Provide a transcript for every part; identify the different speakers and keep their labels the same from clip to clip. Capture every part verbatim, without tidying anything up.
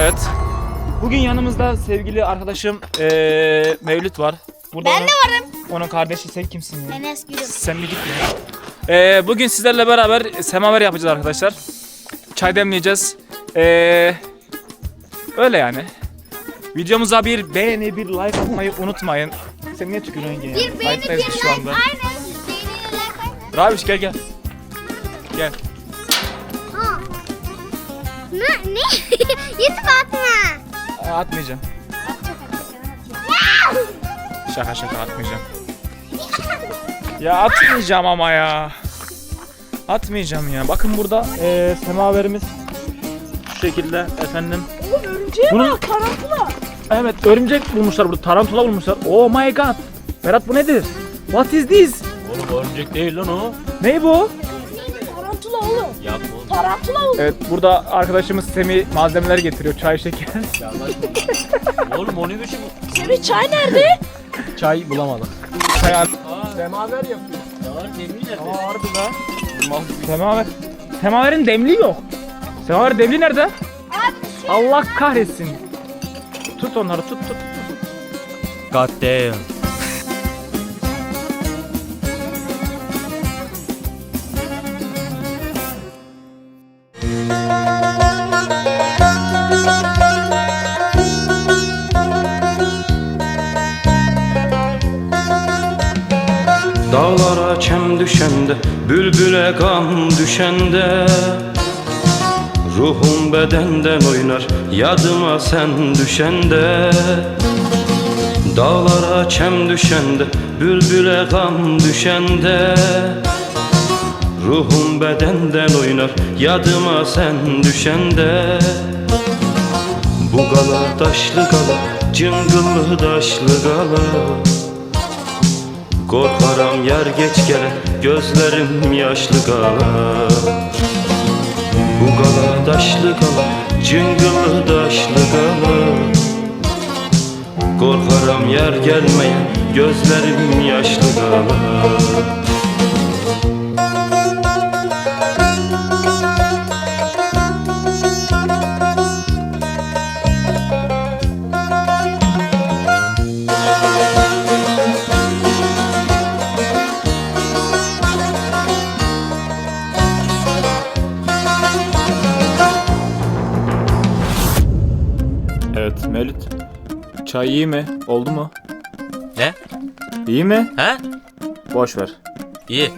Speaker 1: Evet. Bugün yanımızda sevgili arkadaşım ee, Mevlüt var. Burada
Speaker 2: Ben
Speaker 1: onun,
Speaker 2: de varım.
Speaker 1: Onun kardeşi sen kimsin ya?
Speaker 2: Enes Gülüm.
Speaker 1: Sen bir git ya. Ee, bugün sizlerle beraber semaver yapacağız arkadaşlar. Çay demleyeceğiz. Ee, öyle yani. Videomuza bir beğeni, bir like atmayı unutmayın. Sen niye tükürüyorsun yine?
Speaker 2: Bir beğeni, bir
Speaker 1: Like'dayız
Speaker 2: like.
Speaker 1: biz şu anda.
Speaker 2: Aynen. Beğeni, like, aynen.
Speaker 1: Rabiş gel gel. Gel.
Speaker 2: Ha. Ne? Ne? YouTube atma.
Speaker 1: Aa, atmayacağım. Şaka şaka atmayacağım. Ya atmayacağım ama ya. Atmayacağım ya. Bakın burada e, semaverimiz şu şekilde efendim.
Speaker 3: Örümceğe
Speaker 1: Bunun-
Speaker 3: bak, tarantula.
Speaker 1: Evet, örümcek bulmuşlar burada, tarantula bulmuşlar. Oh my god. Berat bu nedir? What is this?
Speaker 4: Oğlum örümcek değil lan o.
Speaker 1: Ne bu?
Speaker 3: Tarantula oğlum.
Speaker 4: Ya bu.
Speaker 3: Tarantula oğlum.
Speaker 1: Evet, burada arkadaşımız Semih malzemeler getiriyor. Çay, şeker.
Speaker 4: Oğlum o ne biçim?
Speaker 3: Semih çay nerede?
Speaker 1: Çay bulamadık. Çay al.
Speaker 4: Semaver yapıyor. Ya var demir nerede?
Speaker 1: Aa, harbi lan. Semaver. Semaverin demli yok. Semaverin demli nerede? Allah kahretsin. Tut onları, tut tut.
Speaker 4: God damn.
Speaker 5: Dağlara çem düşende, bülbüle gam düşende, ruhum bedenden oynar, yadıma sen düşende. Dağlara çem düşende, bülbüle gam düşende, ruhum bedenden oynar, yadıma sen düşende. Bu gala taşlı gala, cıngıllı taşlı gala, korkarım yer geç gele, gözlerim yaşlı gala. Bu gala taşlı gala, cıngılı taşlı gala, korkarım yer gelmeye, gözlerim yaşlı gala.
Speaker 1: Evet Mevlüt. Çay iyi mi? Oldu mu?
Speaker 4: Ne?
Speaker 1: İyi mi?
Speaker 4: He?
Speaker 1: Boş ver.
Speaker 4: İyi.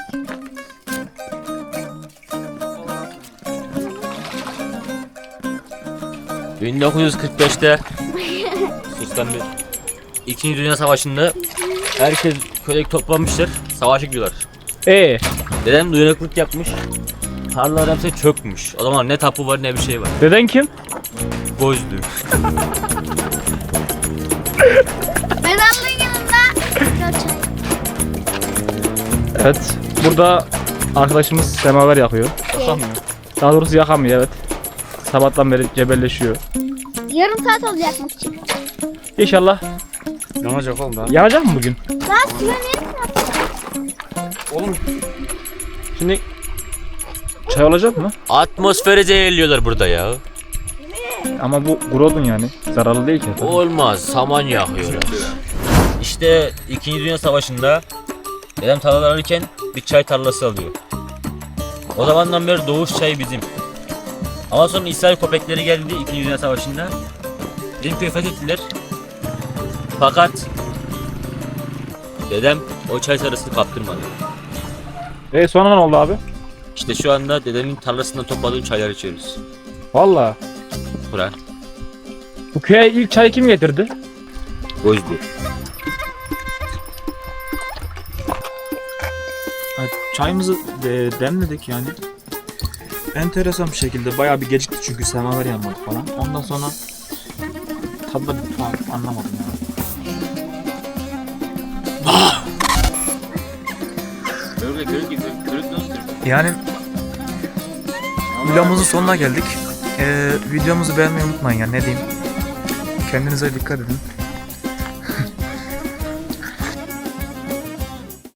Speaker 4: bin dokuz yüz kırk beşte Sustan bir İkinci Dünya Savaşı'nda herkes köydeki toplanmıştır, savaşa gidiyorlar.
Speaker 1: Ee,
Speaker 4: Dedem uyanıklık yapmış, tarlalar hepsi çökmüş. O zaman ne tapu var ne bir şey var.
Speaker 1: deden kim?
Speaker 4: Gözlü.
Speaker 2: Mezarlığın yanında. Çay.
Speaker 1: Evet. Burada arkadaşımız semaver yakıyor. Yakamıyor. Daha doğrusu yakamıyor, evet. Sabahtan beri cebelleşiyor.
Speaker 2: Yarım saat olacak mı için?
Speaker 1: İnşallah
Speaker 4: Yanacak oğlum daha.
Speaker 1: yanacak mı bugün?
Speaker 2: Daha suya ne?
Speaker 1: Oğlum. Şimdi çay olacak mı?
Speaker 4: Atmosferi zehirliyorlar burada ya.
Speaker 1: Ama bu grodun yani. Zararlı değil ki.
Speaker 4: Olmaz, saman yakıyorlar. İşte İkinci Dünya Savaşı'nda dedem tarlalar alırken bir çay tarlası alıyor. O zamandan beri doğuş çayı bizim. Ama sonra İsrail köpekleri geldi İkinci Dünya Savaşı'nda. Bizim köyü fethettiler. Fakat dedem o çay sarısını kaptırmadı.
Speaker 1: E sonra ne oldu abi?
Speaker 4: İşte şu anda dedemin tarlasından topladığım çayları içiyoruz.
Speaker 1: Vallahi.
Speaker 4: Bura.
Speaker 1: Bu köye ilk çayı kim getirdi?
Speaker 4: Gözlü.
Speaker 1: Evet, çayımızı de, demledik yani. Enteresan bir şekilde bayağı bir gecikti çünkü semaver yanmadı falan. Ondan sonra tadı da bir tuhaf, anlamadım ya.
Speaker 4: Körükle körük gibi. Körük nasıl?
Speaker 1: Yani videomuzun sonuna geldik. Ee, videomuzu beğenmeyi unutmayın ya, ne diyeyim. Kendinize dikkat edin.